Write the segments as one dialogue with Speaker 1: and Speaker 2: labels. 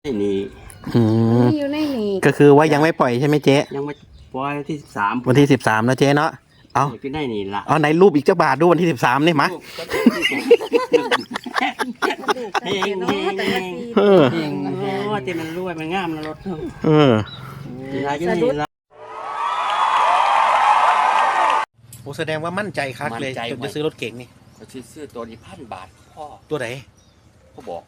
Speaker 1: นี่
Speaker 2: อืม
Speaker 3: นี่อยู่ในนี่
Speaker 2: ก็คือว่ายังไม่ปล่อยใช่ไหมเจ๊
Speaker 1: ยังไม่ปล่อยที่13
Speaker 2: วันที่13นะเจ๊เนาะเอา
Speaker 1: อยู่ในนี่ล่ะ
Speaker 2: เอาไหนรูปอีกเจ้าบาทดูวันที่13นี่มา
Speaker 1: เฮงเฮงเฮง
Speaker 2: เออ
Speaker 1: เฮงโอ้ที่มันรวยมันงามนะรถ
Speaker 2: เออ
Speaker 1: ที่ไหนอยู่นี่ล่ะ
Speaker 2: โอ้แสดงว่ามั่นใจครับเลย
Speaker 1: มั่นใจ
Speaker 2: จนจะซื้อรถเก๋งนี่
Speaker 1: เขาซื้อตัวนี้1,000 บาทพ่อ
Speaker 2: ตัวไหน
Speaker 1: เขาบอก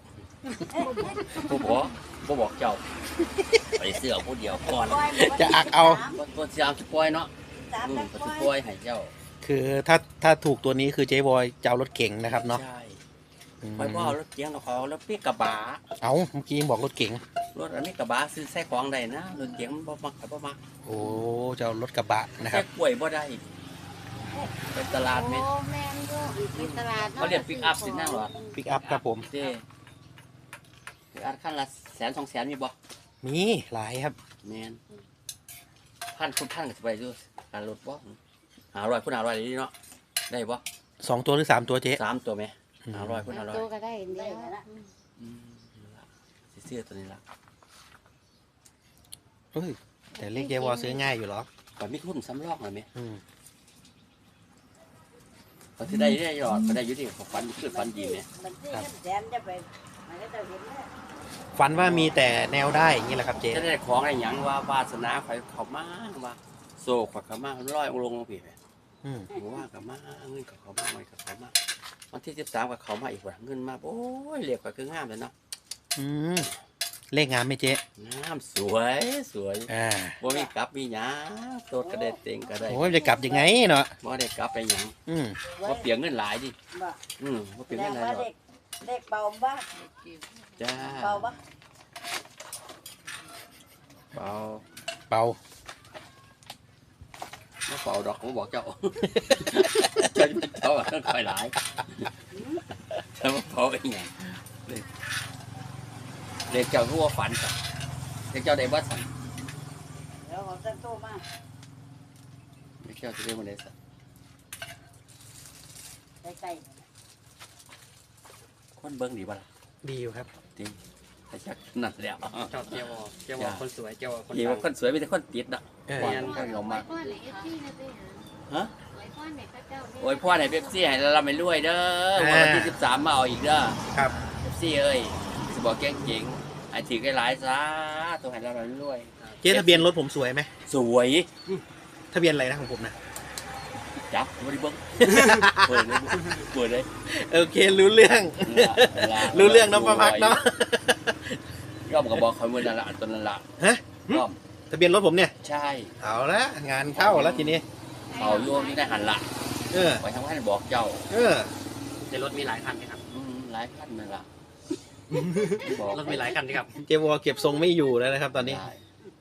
Speaker 1: เขาบอกเจ้าไปเสื้อผู้เดียวก่อน
Speaker 2: จะอักเอา
Speaker 1: ตัวเสียมสปอยเนาะสปอยให้เจ้า
Speaker 2: คือถ้าถูกตัวนี้คือเจ๊บอยจะเอารถเก๋งนะครับเนาะ
Speaker 1: ใช่
Speaker 2: อืม
Speaker 1: ไปพ่อรถเกียงกับเขาแล้วพี่กระบะ
Speaker 2: เอาเมื่อกี้ยังบอกรถเก๋ง
Speaker 1: รถอันนี้กระบะซื้อใส่ของได้นะรถเกียงมันบ่มักบ่มัก
Speaker 2: โอ้จะเอารถกระบะนะค
Speaker 1: ใส่
Speaker 2: รับ
Speaker 1: กล้วยบ่ได้ไปตลาดไหม
Speaker 3: โอ้แม่นอยู่ไปตลาด
Speaker 1: เขาเรียก pick up สินั่งหรอ
Speaker 2: ปิกอัพครับผม
Speaker 1: เจ้อัดขั้นละ100,000-200,000มีบ่
Speaker 2: มีหลายครับ
Speaker 1: แม่นพันคุณพันก็สิไปดูการรถบ่500คุณ500นี่เนาะได้บ่
Speaker 2: 2 ตัวหรือ3 ตัวเจ๊
Speaker 1: 3ตัวไหม500คุณ
Speaker 3: ตัว
Speaker 1: 500
Speaker 3: ก็ได้เดียว
Speaker 1: นั่นล่ะสิซื้อตัวนี้ล่ะ
Speaker 2: เฮ้ยแต่เลขเจ๊บอยซื้อง่ายอยู่เหรอ
Speaker 1: ก่อนมีทุนสำรองหน่อยไหม
Speaker 2: อืม
Speaker 1: ก็สิได้หยอดก็ได้อยู่ที่ฝันคือฝันดีไหม
Speaker 4: มันที่แสนจะไปมันก็จะเห็นแล้ว
Speaker 2: ฝันว่ามีแต่แนวได้อย่างนี้แหละครับเจ๊
Speaker 1: จะได้ของอะไรหยังว่าวาสนาข่อยเข้ามาว่าโซ่ข่อยเข้ามาร้อยองค์ลงพี่
Speaker 2: อืม
Speaker 1: ผมว่ากับมาเงินกับเขามาเงินกับเขามาวันที่13กับเขามาอีกว่าเงินมาโอ้ยเรียกข่อยคืองามเลยเนาะ
Speaker 2: อืมเลขงามไหมเจ๊
Speaker 1: งามสวยสวย
Speaker 2: อ่า
Speaker 1: บ่มีกลับมีหยังโตดก็ได้เต็งก็ได้
Speaker 2: โอ้ยจะกลับยังไงเนาะ
Speaker 1: บ่ได้กลับไปหยัง
Speaker 2: อืม
Speaker 1: บ่เปลียงเงินหลายดิ
Speaker 4: บ่
Speaker 1: บ่เปลียง
Speaker 4: แสด
Speaker 1: เงิ
Speaker 4: ง
Speaker 1: นหลาย
Speaker 4: ว่า
Speaker 1: หรอก
Speaker 4: เด็กเบาบ้า
Speaker 1: จ้า
Speaker 4: เบาบ้า
Speaker 1: เปล่า
Speaker 2: เป่า
Speaker 1: บ่เปล่าดอกผมบอกเจ้า เจ้าเจ้าต้องคอยหลายถ้าบ่เปล่าเป็นหยังเด็กเจ้ารู้ว่าฝันจ้ะเด็กเจ้าได้บ่สั่น
Speaker 4: เดี๋ยวของตั้งโตมา
Speaker 1: เด็กเจ้าจะได้บ่ได้สั่น
Speaker 4: ใกล้
Speaker 1: คนเบิ่งดีบ่ล่ะ
Speaker 2: ดีอยู่ครับ
Speaker 1: จริงแต่ชักนั่นแหล้ว
Speaker 5: ชอบเจียวเจียวคนสวยเจียวคน
Speaker 1: ดี
Speaker 5: ดั
Speaker 1: ว่าง คนสวยมีแต่คนติดอ่ะ
Speaker 2: เออ
Speaker 1: หวานก็ยอมมาก
Speaker 3: ไว้พ่อในเอฟซีนะเต้
Speaker 1: ฮะ
Speaker 3: ไว้พ่อในพระเจ้า
Speaker 1: โอ้ยพ่อไหนเป๊ปซี่ให้เราไม่รวยเด้อวันที่13มาเอาอีกเด้อ
Speaker 2: ครับ
Speaker 1: เป๊ปซี่เอ้ยสิบอกเก่งๆไอ้ถือหลายๆซะตัวให้เราไม่รวย
Speaker 2: เจ๊ทะเบียนรถผมสวยไหม
Speaker 1: สวย
Speaker 2: ทะเบียนอะไรนะของผมนะ
Speaker 1: จับบ่ได้เบิ่งเปิดเลยเปิดเลย
Speaker 2: โอเครู้เรื่อง รู้เรื่องน้องประพักเนาะ
Speaker 1: ย่อมก็บอกเขามื้อนั้นละอันตัวนั้นละ
Speaker 2: ฮะ
Speaker 1: ย่อม
Speaker 2: ทะเบียนรถผมเนี่ย
Speaker 1: ใช่
Speaker 2: เอาละงานเข้าแล้วทีนี้
Speaker 1: เอาโยมนี่ได้หันละ
Speaker 2: เออ
Speaker 1: ไปทางว่าบอกเจ้า
Speaker 2: เออ
Speaker 5: ในรถมีหลายคันไหมครับ
Speaker 1: หลายพันนั่นล่ะบอก
Speaker 5: รถมีหลายคันไหมครับ
Speaker 2: เจวอเก็บทรงไม่อยู่แล้วนะครับ ตอนนี้
Speaker 1: ได้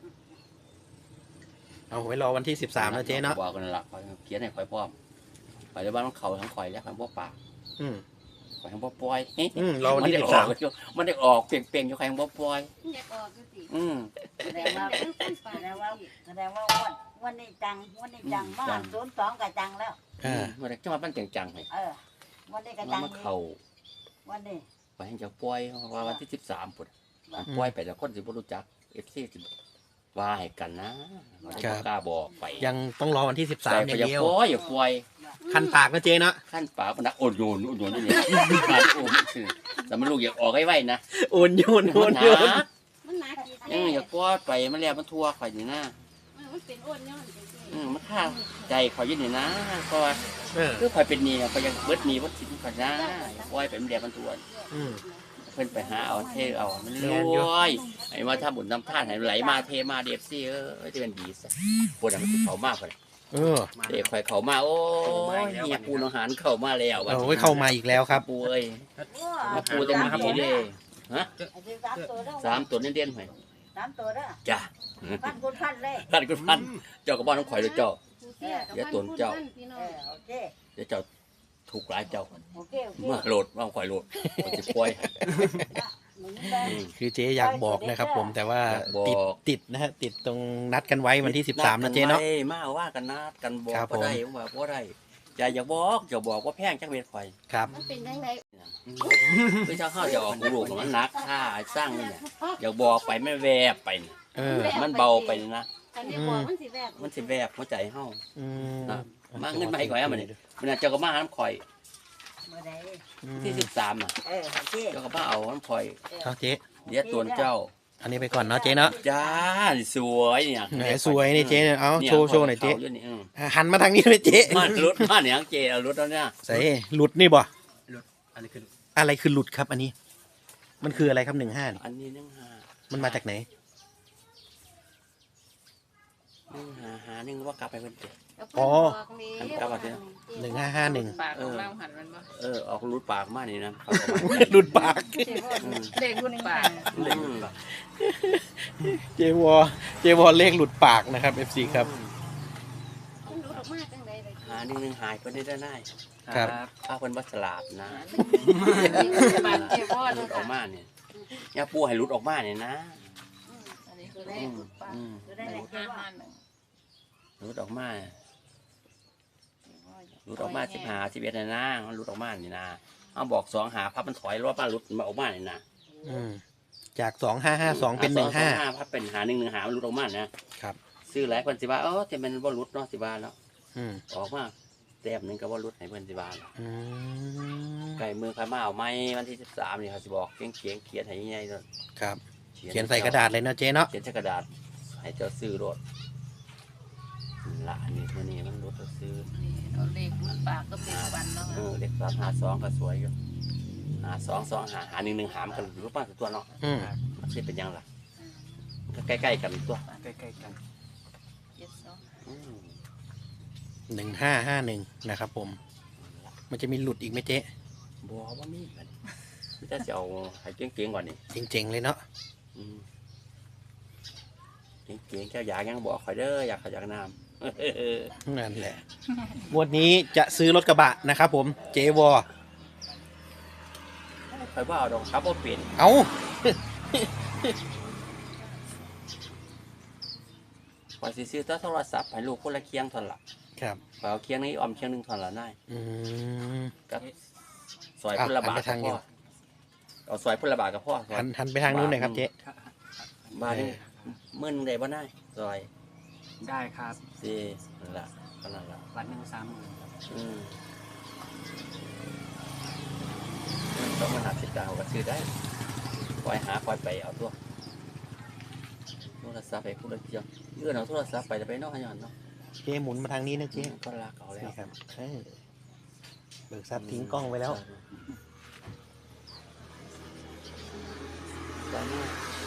Speaker 2: เอาไว้รอวันที่13นะเจ๊เนาะ
Speaker 1: บอกกันละเขียนให้ข่อยพร้อมข่อยในบ้านของเขาทั้งข่อยแล้วข่อยบ่ปาก
Speaker 2: อืม
Speaker 1: ข่อยทั้งบ่ปล่อย
Speaker 2: รอวันที่
Speaker 1: มันได้ออกมันได้ออกเปลี่ยนๆอยู่ข่อยทั้งบ่ปล่อย
Speaker 3: อยากออกก็สิ
Speaker 4: ๆแสดงว่าแสดงว่าวันนี้จังวันนี้จังมาก02ก็จังแล้ว
Speaker 2: อ่า
Speaker 1: มันได้จังหวัดมันจังๆให้
Speaker 4: วันนี้ก็
Speaker 1: มัน
Speaker 4: จัง
Speaker 1: มาเข้า
Speaker 4: วันนี้
Speaker 1: ไปให้เจ้าปล่อยว่าวันที่13พุ่นมันปล่อยไปแล้วคนสิบ่รู้จัก FC สิว่าให้กันนะมันบ่กล้าบอกไป
Speaker 2: ยังต้องรอวันที่
Speaker 1: แต่
Speaker 2: 13อ
Speaker 1: ก็
Speaker 2: ย่าง
Speaker 1: อย่า
Speaker 2: เดียว
Speaker 1: ปล่อยอย่าปล่อย
Speaker 2: คันปากนะเจ๊เนาะ
Speaker 1: ขั้นป่าปนักโอนโยนนี่เนี่ยมาโอนคือแต่มันลูกอยากออกให้ไวนะ
Speaker 2: โอนโยนโอนโยน
Speaker 3: มันหนาจี
Speaker 1: อยากปล่อยไปมันแล้วมันทั่วข่อยนี่นะ
Speaker 3: มันเป็นอ้วนย้อนเป็นเต้
Speaker 1: มันฆ่าใจข่อยอยืนนี่นะเพราะว่า
Speaker 2: เออ
Speaker 1: คือข่อยเป็นหนี้ข่อยยังเบิดหนี้วัดสินข่อยนะปล่อยไปมันแล้วมันทั่ว
Speaker 2: อืม
Speaker 1: เพิ่นไปหาเอาเทเอามันรวยไอ้มาทำบุญทำทานให้ไหลมาเทมาเดฟซี่จะเป็นดีซะปวดหัวเขามากเลย
Speaker 2: เออ
Speaker 1: เด็กข่อยเขามาโอ้ยเฮียปูนอาหารเข้ามาแล้ว
Speaker 2: โอ้ยเข้ามาอีกแล้วครับ
Speaker 1: ปูเอ้ยมาปูเต็มที่เลยฮะ
Speaker 4: ไอ้ที่3ตัวเด้อ
Speaker 1: 3ตัวเด่นๆหน่อย
Speaker 4: 3ตัวเด้อ
Speaker 1: จ้ะ
Speaker 4: พันคุณพันเลย
Speaker 1: ท่านคุณพันเจ้ากับบ้านของข่อยเลยเจ้า
Speaker 3: เดี๋ยวตัวเจ้าพี่น้อง
Speaker 4: โอเค
Speaker 1: เดี๋ยวเจ้าถูกหลายเจ้า
Speaker 4: โอเคโอเค
Speaker 1: มาโหลดมาข่อยโหลดข่อยสิปล่อย
Speaker 2: คือเจ๊อยากบอกนะครับผมแต่ว่า
Speaker 1: อยากบอก
Speaker 2: ติดนะฮะติดตรงนัดกันไว้วันที่13นะเจ๊เนาะ
Speaker 1: มาว่ากันนัดกันบอก
Speaker 2: ครับผม
Speaker 1: บ่ได้ว่าบ่ได้อย่าบอกว่าแพงจักเม็ดข่อย
Speaker 2: ครับ
Speaker 3: มันเป็นยังไง
Speaker 1: คือเจ้าข้าวจะออกลูกมันหนักค่าสร้างนี่เนี่ยอย่าบอกไปไม่แวบไปนี่
Speaker 2: เออ
Speaker 1: มันเบาไปนะ
Speaker 3: อันนี้บอกมันสิแวบ
Speaker 1: มันสิแวบหัวใจเฮา
Speaker 2: อืม
Speaker 1: นะมาเงินมาให้ข่อยมันมันเจ้าก็มาหาน้ำข่อย
Speaker 4: เมื่อใด
Speaker 1: ที่13น่ะ
Speaker 4: ที่
Speaker 1: เจ้าก็มาเอาน้ำข่อย
Speaker 2: เอาเจ๊
Speaker 1: เดี๋ยวตัวเจ้า
Speaker 2: อันนี้ไปก่อนเนาะเจ๊เนาะ
Speaker 1: จ้าสวยเนี่ย
Speaker 2: แหมสวยนี่เจ๊เนี่ยเอาโชว์หน่อยเจ๊
Speaker 1: ขานี่
Speaker 2: หันมาทางนี้เลยเจ๊
Speaker 1: มันรถมาเนี่ยเจเอารถแล้วเนี่ย
Speaker 2: ใส่หลุดนี่บ่
Speaker 5: อันนี้คือ
Speaker 2: อะไรคือหลุดครับ อันนี้ มันคืออะไรครับ15นี่
Speaker 1: อันนี้1
Speaker 2: มันมาจากไหน
Speaker 1: 1 ว่ากลับไปเพิ่นเด้
Speaker 2: อ๋อ
Speaker 3: กลับมาสิ
Speaker 2: 1551
Speaker 6: ปากของเราหันมันบ่
Speaker 1: ออกรุดปากมานี่นะ
Speaker 2: หลุดปาก
Speaker 6: เด็กรุ่นปาก
Speaker 2: เจวอเลขหลุดปากนะครับ FC ครับ
Speaker 3: มันดูดออกมาจังไดเลย
Speaker 1: หา1 หายคนได้ได้
Speaker 2: ครับ
Speaker 1: ถ้าคนบัสลาดนะ
Speaker 6: ปากเจ็บบ่
Speaker 1: ห
Speaker 6: เล
Speaker 1: ลุ
Speaker 6: ย
Speaker 1: ดออกมาเนี่ยย่าปูให้หลุดออกมาเนี่ยนะ
Speaker 6: อันนี้คือเลขปาก
Speaker 4: ได้ไหน
Speaker 6: 651
Speaker 1: หลุดออกมาหลุดออกมา15 11เนี่ยนะมันหลุดออกมานี่นะเอาบอก2หาพับมันถอยรถมาหลุดมาออกมาเนี่ยนะ
Speaker 2: อืมจาก2552เป็น
Speaker 1: พับเป็นหา1 หามันหลุดออกมานะครับ ซื้อหลายคนสิว่าแต่มันบ่หลุดเนาะสิว่าแล้ว
Speaker 2: อืม
Speaker 1: ออกมาแต้มหนึงก็บ่หลุดให้เพิ่นสิว่าแล้ว
Speaker 2: อืม
Speaker 1: ไก่มือใครมาเอาไม้วันที่13นี่เขาสิบอกเขียนเขียนให้ใหญ่ๆเนาะ
Speaker 2: ครับ เขียนใส่กระดาษเลยเนาะเจ๊เนาะ
Speaker 1: เขียนใส่กระดาษให้เจ้าซื้อรถละอันนี้ตัวนี้มันรถเจ้าซื้อ
Speaker 6: นี่เอาเลขรุ่นปากก็เป็นวันเนาะ
Speaker 1: เด็ก352ก็สวยอยู่52 2หา1 หามกันรูปปั้นตัวเนาะ
Speaker 2: อืม
Speaker 1: มันสิเป็นยังล่ะก็ใกล้ๆกันตัว
Speaker 5: ใกล้ๆกัน
Speaker 1: อืม
Speaker 2: 1551นะครับผม มันจะมีหลุดอีกไหมเจ๊
Speaker 1: บ่ว่ามีมันมีแต่สิเอาให้เก่งๆกว่านี้
Speaker 2: เจ๋งๆเลยเนาะ
Speaker 1: อืมเก่งๆเจ้าอยากยังบอกข่อยเด้ออยากน้ำ
Speaker 2: นั่นแหละงวดนี้จะซื้อรถกระบะนะครับผมเจวอ
Speaker 1: ข่อยว่าเอาดอกครับบ่เปลี่ยน
Speaker 2: เอา
Speaker 1: ข่อยสิซื้อแต่โทรศัพท์ให้ลูกคนละเคียงเท่านั้นล่ะ
Speaker 2: ครับ
Speaker 1: ข่อยเอาเคียงนี้ออมเคียงหนึงเท่านั้นล่ะนาย
Speaker 2: อืม
Speaker 1: กับซอยพุ่นละบาท
Speaker 2: หันไปทางนี้
Speaker 1: ก็พอเอาซอยพุ่นละบาทก็พอ
Speaker 2: หันไปทางนู้นหน่อยครับเจ๊
Speaker 1: บาทนี่มื้อนึงได้บ่นายซอย
Speaker 5: ได้ครับ
Speaker 1: สินั่นล่ะเท่านั้นล่ะ
Speaker 5: วันหนึ่ง30,000ครับ
Speaker 1: อืมต้องมาหาสิดาวก็ซื้อได้คอยหาคอยไปเอาตัวโทรศัพท์ไปพุ่นละเคียงเลื่อนเอาโทรศัพท์ไปแล้วไปเนอกขยันเนาะ
Speaker 2: เจ๊หมุนมาทางนี้นะเจ๊
Speaker 1: ก็ลากเอาแล้ว
Speaker 2: นี่ครับเบิกทรัพย์ทิ้งกล้องไว้แล้ว
Speaker 1: ได้มาก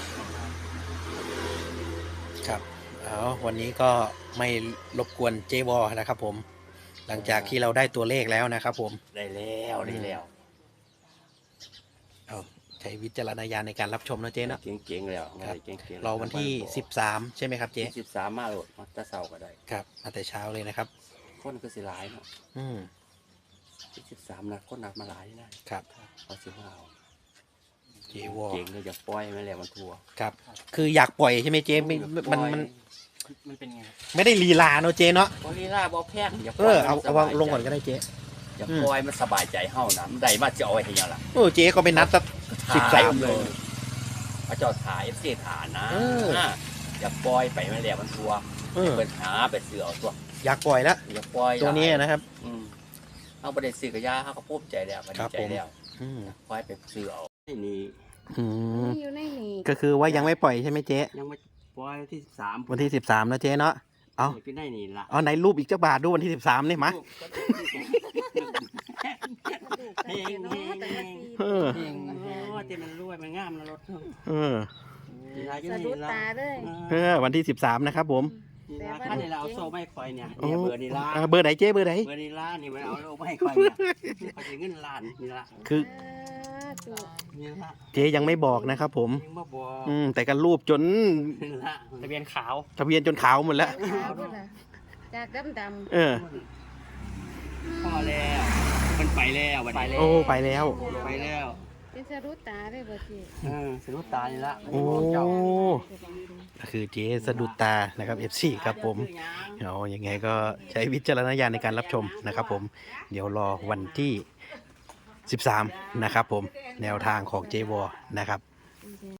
Speaker 2: ครับเอาวันนี้ก็ไม่รบกวนเจวอนะครับผม หลังจากที่เราได้ตัวเลขแล้วนะครับผม
Speaker 1: ได้แล้วได้แล้ว
Speaker 2: เอาใช้วิจารณญาณในการรับชมนะเจ๊เนาะ
Speaker 1: เก่งๆแล้ว
Speaker 2: ครับ
Speaker 1: เก่งๆ
Speaker 2: รอวันที่13ใช่ไหมครับเจ๊
Speaker 1: 13มาโหลดมาแตะเสาก็ได้
Speaker 2: ครับมาแต่เช้าเลยนะครับ
Speaker 1: คนก็สิหลายเนาะ
Speaker 2: อืม
Speaker 1: ที่13นะคนนักมาหลายนะครับ เขาสิมาเอา
Speaker 2: เจวอ
Speaker 1: เก่งเลยอย่าปล่อยมันแล้วมันทัว
Speaker 2: ครับ คืออยากปล่อยใช่ไหมเจ๊ไม่มัน
Speaker 5: มันเป็นไงครับ
Speaker 2: ไม่ได้ลีลาเนาะเจ๊เนาะ
Speaker 1: บริลาบ่แพงอย่าป
Speaker 2: เอ
Speaker 1: ล่อย
Speaker 2: อเอา
Speaker 1: มัน
Speaker 2: เอา
Speaker 1: สบย
Speaker 2: ลงก่อนก็ได้เจ๊
Speaker 1: อย่าปล่อยมันสบายใจเฮานะมันได้มาจะเอาไว้ให้หยังล่ะ
Speaker 2: โอ้เจ๊ก็ไปนัดสัก 13เลย
Speaker 1: พระเจ้าถ่าย FC ถ่ายนะ
Speaker 2: เออ
Speaker 1: อย่าปล่อยไปมันแล้วมันทัว
Speaker 2: เออ
Speaker 1: เปิดหาไปซื้อเอาตัว
Speaker 2: อยากปล่อยแล้ว
Speaker 1: อย่าปล่อย
Speaker 2: ตัวนี้นะครับ
Speaker 1: เอาประเด็นซื้อกับยาเขาก็ภูมิใจแล้วก็ดีใจแล้ว
Speaker 2: อืม
Speaker 1: ปล่อยไปซื้อเอานี่
Speaker 2: อืม
Speaker 3: นี่อยู่ในนี่
Speaker 2: ก็คือว่ายังไม่ปล่อยใช่ไหมเจ๊
Speaker 1: ยังไม่ปล่อยที่13
Speaker 2: วันที่13นะเจ๊เนาะ เอา
Speaker 1: พี่ได้นี่ล่ะ
Speaker 2: เอาไหนรูปอีกเจ้าบาทดูวันที่13นี่มา
Speaker 1: เฮงเฮง
Speaker 2: เออ
Speaker 1: เฮงโอ้ที่มันรวยมันงามนะรถ
Speaker 2: เออ
Speaker 1: นี่ล่ะอยู่
Speaker 3: สะดุ
Speaker 1: นี่
Speaker 3: ด
Speaker 1: ล่ะ
Speaker 3: ตาเลย
Speaker 2: เออวันที่13นะครับผม
Speaker 1: นี่ล่ะคันนี้เราเอาโซ่ไม่คอยเนี่ย
Speaker 2: โอ้
Speaker 1: เนี่ยเบอร์นี่ล่ะ
Speaker 2: เบอร์ไหนเจ๊เบอร์ไหน
Speaker 1: เบอร์นี่ล่ะนี่มันเอาโซ่ไม่คอยเนี่ยเขาจะเงินล้านนี่ล่ะ
Speaker 2: คือ
Speaker 3: จุก
Speaker 1: นี่ล่ะ
Speaker 2: เจ๊ยังไม่บอกนะครับผม
Speaker 1: ยังมาบอก
Speaker 2: แต่กันรูปจน
Speaker 1: นี่ล่ะ
Speaker 5: ทะเบียนขาว
Speaker 2: ทะเบียนจนขาวหมดแล้ว
Speaker 3: ขาวด้วยล่ะจากดำ
Speaker 2: เออ
Speaker 1: พอแล้วมันไปแล้ววันนี้
Speaker 2: โอ้ไปแล้ว
Speaker 1: ไปแล้ว
Speaker 3: เป็นสะดุดตาเลยบ่จี
Speaker 5: สรุปตานี่ละ
Speaker 2: โอ้ก็คือเจ๊สะดุดตานะครับ FC ครับผมเอายังไงก็ใช้วิจารณญาณในการรับชมนะครับผมเดี๋ยวรอวันที่13นะครับผมแนวทางของเจวอนะครับ